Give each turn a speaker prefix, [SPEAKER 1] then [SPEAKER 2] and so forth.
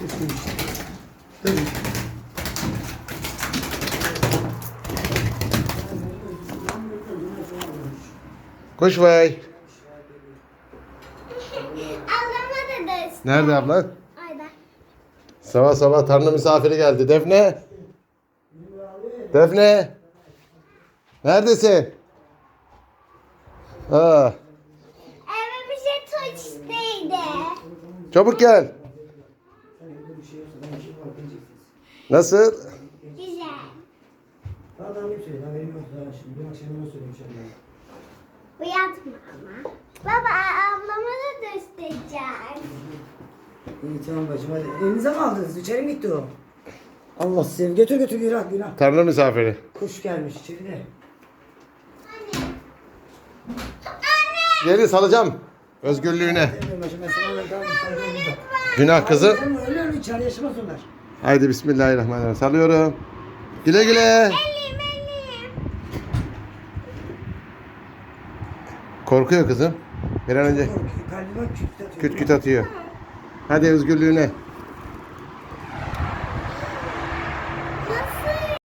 [SPEAKER 1] Tabii.
[SPEAKER 2] Kuş vay.
[SPEAKER 3] Ablama da ders.
[SPEAKER 2] Nerede ablan?
[SPEAKER 3] Ayda.
[SPEAKER 2] Sabah sabah Tanrı misafiri geldi. Defne. Defne. Neredesin? Aa,
[SPEAKER 3] Eve bir şey tuçtuydu.
[SPEAKER 2] çabuk gel. Nasıl?
[SPEAKER 3] Güzel.
[SPEAKER 1] Daha ne söyleyeyim? Haberim yok daha şimdi. Bir akşam ona söyleyeyim inşallah.
[SPEAKER 3] Uyatma ama. Baba ablama da göstereceğim.
[SPEAKER 1] İyi tamam bacım hadi. Elinize mi aldınız? İçeri mi gitti o? Allah sizi götür götür günah günah.
[SPEAKER 2] Tanrı misafiri.
[SPEAKER 1] Kuş gelmiş içeride.
[SPEAKER 2] Geri salacağım. Özgürlüğüne.
[SPEAKER 1] Demiyorum bacım ben sana ben tamam sen de burada.
[SPEAKER 2] Günah kızı.
[SPEAKER 1] Ama öyle öyle içeride yaşamaz onlar.
[SPEAKER 2] Haydi bismillahirrahmanirrahim. Salıyorum. Güle güle.
[SPEAKER 3] Elim.
[SPEAKER 2] Korkuyor kızım. Bir an önce
[SPEAKER 1] Kalbime küt atıyor.
[SPEAKER 2] küt küt atıyor. Hadi özgürlüğüne.